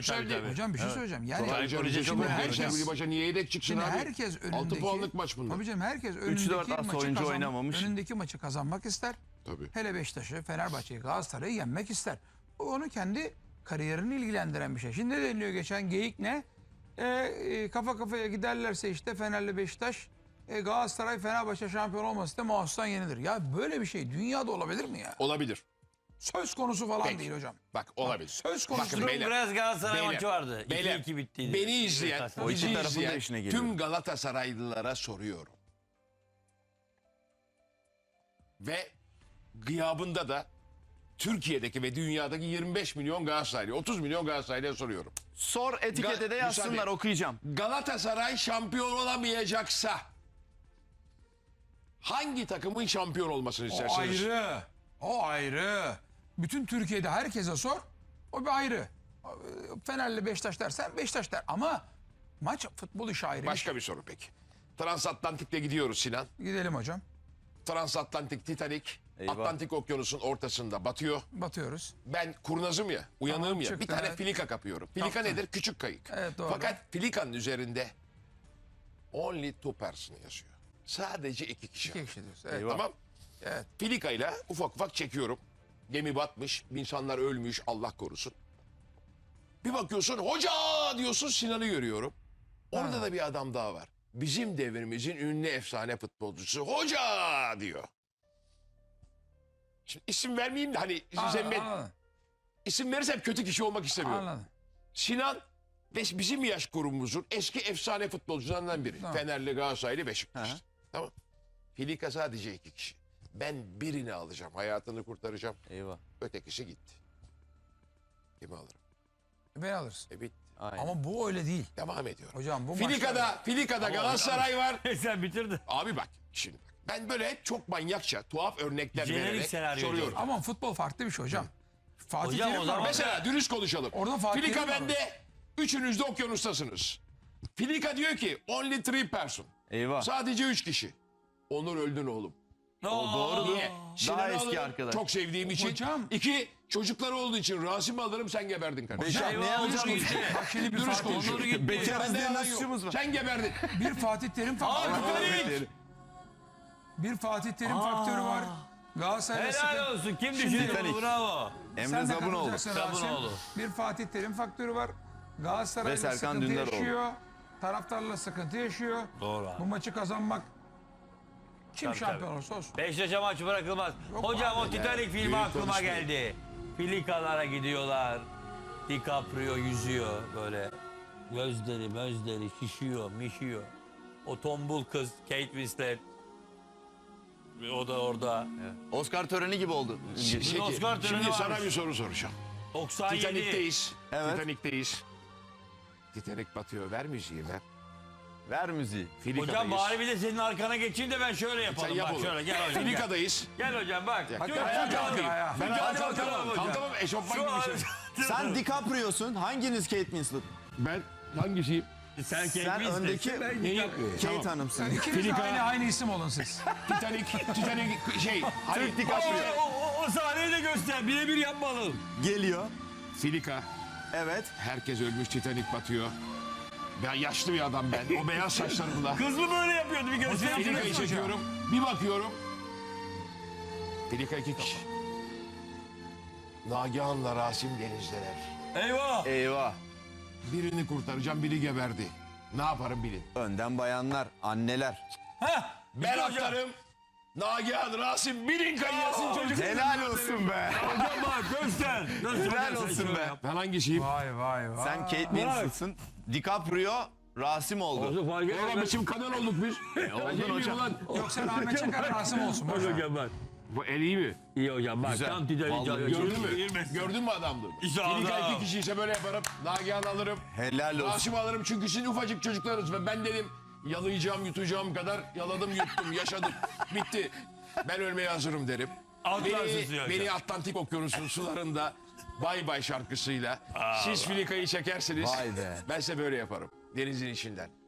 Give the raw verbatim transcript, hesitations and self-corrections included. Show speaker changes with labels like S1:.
S1: yükseldi.
S2: tabii, tabii.
S3: Hocam bir şey
S2: Evet.
S3: söyleyeceğim. Yani
S1: Sonra
S2: Ayrıca
S1: Rize
S2: şimdi
S1: çok
S3: herkes-
S1: Gençler Birliği başa niye yedek çıksın
S3: şimdi
S1: abi?
S3: herkes önündeki
S1: altı puanlık maç bunlar.
S3: Tabii canım herkes
S4: üç
S3: önündeki
S4: dört az
S3: maçı
S4: oyuncu
S3: kazan,
S4: oynamamış.
S3: önündeki maçı kazanmak ister.
S1: Tabii.
S3: Hele Beşiktaş'ı, Fenerbahçe'yi, Galatasaray'ı yenmek ister. Bu onu kendi kariyerini ilgilendiren bir şey. Şimdi ne deniliyor geçen geyik ne? E, e, kafa kafaya giderlerse işte Fener'le Beşiktaş, e, Galatasaray Fenerbahçe şampiyon olması da mahsustan yenilir. Ya böyle bir şey dünyada olabilir mi ya?
S1: Olabilir.
S3: Söz konusu falan
S1: Peki.
S3: değil hocam.
S1: Bak olabilir.
S3: Söz konusu
S1: Bakın
S3: değil.
S1: beyler.
S2: Biraz Galatasaray
S1: Beyler,
S2: maçı vardı.
S1: beyler,
S2: iki iki bittiydi.
S1: Beni izleyen,
S2: O
S1: bizi
S4: iki tarafın da
S1: izleyen
S4: işine geliyor.
S1: tüm Galatasaraylılara soruyorum. Ve gıyabında da Türkiye'deki ve dünyadaki yirmi beş milyon Galatasaraylı, otuz milyon Galatasaraylı'ya soruyorum.
S4: Sor etikete de
S1: Ga-
S4: yazsınlar,
S1: müsaade.
S4: okuyacağım.
S1: Galatasaray şampiyon olamayacaksa hangi takımın şampiyon olmasını
S3: O
S1: istersiniz?
S3: ayrı. O ayrı. Bütün Türkiye'de herkese sor. O bir ayrı. Fener'le Beşiktaş dersen Beşiktaş der. Ama maç futbol işi ayrı.
S1: Başka bir soru peki. Transatlantik'te gidiyoruz Sinan.
S3: Gidelim hocam.
S1: Transatlantik Titanic
S4: Eyvah.
S1: Atlantik Okyanusu'nun ortasında batıyor.
S3: Batıyoruz.
S1: Ben kurnazım ya, uyanığım
S3: Tamam,
S1: ya.
S3: çıktı,
S1: Bir tane
S3: evet.
S1: filika kapıyorum. Filika
S3: Kaptın.
S1: nedir? Küçük kayık.
S3: Evet, doğru.
S1: Fakat filikanın üzerinde only two person yazıyor. Sadece iki kişi.
S3: İki kişi diyoruz. Evet.
S4: Eyvah.
S1: Tamam.
S3: Evet.
S1: Filikayla ufak ufak çekiyorum. Gemi batmış, insanlar ölmüş, Allah korusun. Bir bakıyorsun, hoca diyorsun, Sinan'ı görüyorum. Orada
S3: Ha.
S1: da bir adam daha var. Bizim devrimizin ünlü efsane futbolcusu. Hoca diyor. Şimdi isim vermeyeyim de hani size
S3: Anladım,
S1: ben
S3: anladım.
S1: isim verirsem kötü kişi olmak istemiyorum.
S3: Anladım.
S1: Sinan ve bizim yaş grubumuzun eski efsane futbolcularından biri.
S3: Tamam.
S1: Fenerli, Galatasaraylı, Beşiktaş.
S4: Hı hı.
S1: Tamam. Filika sadece iki kişi. Ben birini alacağım, hayatını kurtaracağım.
S4: Eyvah.
S1: Ötekisi gitti. Kimi alırım?
S3: Beni alırsın.
S1: E bitti.
S4: Aynen.
S3: Ama bu öyle değil.
S1: Devam ediyorum.
S3: Hocam bu
S1: Filika'da,
S3: maçlar...
S1: Filika'da Galatasaray var.
S2: Sen bitirdin.
S1: Abi bak şimdi bak. Ben böyle hep çok manyakça, tuhaf örnekler
S2: Jenerik
S1: vererek
S2: senaryo
S1: soruyorum.
S3: Ama futbol farklı bir şey hocam. Fatih
S2: Hocam,
S3: Terim
S2: o
S3: var.
S2: zaman-
S1: Mesela dürüst konuşalım.
S3: Orada Fatih
S1: Filika
S3: Terim var.
S1: bende, üçünüz de okyanustasınız. Filika diyor ki only three person.
S4: Eyvah.
S1: Sadece üç kişi. Onur öldün oğlum.
S2: O
S4: doğru.
S1: Niye? Sinan'ı
S4: eski
S1: alırım,
S4: arkadaş.
S1: çok sevdiğim için.
S3: Hocam.
S1: İki, çocukları olduğu için Rasim'i alırım, sen geberdin kardeşim.
S4: Beşer, ne
S2: Eyvah,
S4: yapacağım?
S2: hocam gitti.
S3: Bak şimdi bir
S1: Dürüst
S3: Fatih,
S1: konuşuyor.
S2: Onur gitti.
S4: Bekar
S1: Bende
S4: diye
S1: yalan
S4: nasıl
S1: yok.
S4: suçumuz var?
S1: Sen geberdin.
S3: bir Fatih Terim faktörü var.
S2: Titanic!
S3: Bir Fatih Terim faktörü var. Galatasaray'la
S2: Helal
S3: sıkıntı-
S2: olsun. Kim
S3: Şimdi-
S2: düşündü
S4: Titanic.
S2: bunu? Bravo.
S4: Emre
S3: Sen de
S4: Zabunoğlu.
S3: katılacaksın Rasim.
S2: Zabunoğlu.
S3: Bir Fatih Terim faktörü var. Galatasaray'la
S4: Ve Serkan
S3: sıkıntı
S4: Dündaroğlu.
S3: yaşıyor. Taraftarla sıkıntı yaşıyor.
S2: Doğru abi.
S3: Bu maçı kazanmak kim
S2: Tabii,
S3: şampiyon
S2: tabii.
S3: olursa olsun.
S2: Beşiktaş'a maç bırakılmaz.
S3: Yok
S2: Hocam
S3: abi
S2: o Titanic filmi
S1: büyük
S2: aklıma
S1: konuşmayın.
S2: geldi. Filikalara gidiyorlar. DiCaprio yüzüyor böyle. Gözleri gözleri şişiyor mişiyor. O tombul kız Kate Winslet. O da orada.
S4: Oscar töreni gibi oldu.
S1: Peki,
S2: Oscar töreni
S1: şimdi sana
S2: varmış.
S1: bir soru soracağım.
S2: doksan yedi.
S1: Titanik'teyiz.
S4: Evet.
S1: Titanik'teyiz. Titanic batıyor. Ver müziği ver.
S4: Ver müziği.
S1: Filika'dayız.
S2: Hocam bari bir de senin arkana geçeyim de ben şöyle
S1: Sen
S2: yapalım.
S1: yap
S2: Bak
S1: oğlum.
S2: şöyle gel hocam. Gel,
S1: Filika'dayız.
S2: gel hocam bak.
S1: Hakikaten
S2: Şöyle
S1: ayağa
S2: kalkalım.
S1: kalkayım.
S3: ayağa.
S1: Ben
S2: Hadi
S1: ayağa
S2: bakalım
S1: kalkamam.
S2: hocam.
S1: Kalkamam eşofman
S2: Şu
S1: gibi
S2: an-
S1: şey.
S4: Sen DiCaprio'sun. Hanginiz Kate Winslet?
S1: Ben hangisiyim?
S2: Sen,
S4: Sen
S2: Kate Winslet,
S4: öndeki-
S2: ben
S1: Neyi?
S2: DiCaprio.
S4: Kate
S1: Tamam.
S4: Hanım'sın.
S3: İkiniz de
S1: Filika-
S3: aynı, aynı isim olun siz.
S1: Titanic, Titanic şey. Hani,
S4: Türk DiCaprio.
S2: O, o, o sahneyi de göster. Birebir yapmalım.
S4: Geliyor.
S1: Filika.
S4: Evet.
S1: Herkes ölmüş, Titanic batıyor. Ben yaşlı bir adam ben. O beyaz saçlarımla.
S2: Kız mı böyle yapıyordu bir göster.
S1: Filika'yı çekiyorum. Bir bakıyorum. Filika iki kişi. Nagihan'la Rasim denizdeler.
S2: Eyvah.
S4: Eyvah.
S1: Birini kurtaracağım, biri geberdi. Ne yaparım bilin.
S4: Önden bayanlar, anneler.
S2: Heh.
S1: Ben
S2: İşte hocam.
S1: atlarım. Nagihan, Rasim, birin kayasın çocuk.
S4: Helal olsun be.
S2: Hocam bak göster. Göster.
S4: Helal
S2: Hocam, sen
S4: olsun
S2: şöyle
S4: be.
S2: yap.
S1: Ben hangisiyim?
S3: Vay vay vay.
S4: Sen Kate Winslet'sın. DiCaprio Rasim oldu.
S2: Olsun fark
S1: Oğlum
S2: etmez.
S1: bizim kanal olduk biz.
S4: oldun hocam.
S3: Yoksa Ahmet Çakar Rasim olsun. boş ver.
S2: Hocam bak.
S1: Bu el iyi mi?
S2: İyi hocam bak.
S4: Güzel.
S2: Tam Titanic.
S4: Vallahi
S1: Gördün mü? Gördün mü adamlığımı?
S2: İşte
S1: Filika
S2: adam.
S1: iki kişi ise böyle yaparım. Nagihan alırım.
S4: Helal olsun.
S1: Rasim alırım çünkü siz ufacık çocuklarınız ve ben dedim yalayacağım yutacağım kadar yaladım yuttum yaşadım bitti. Ben ölmeye hazırım derim.
S2: Atlarsın
S1: Beni,
S2: suya
S1: beni
S2: hocam.
S1: Atlantik Okyanusu'nun sularında Bay Bay şarkısıyla siz Filika'yı çekersiniz.
S4: Vay be.
S1: Ben size böyle yaparım denizin içinden.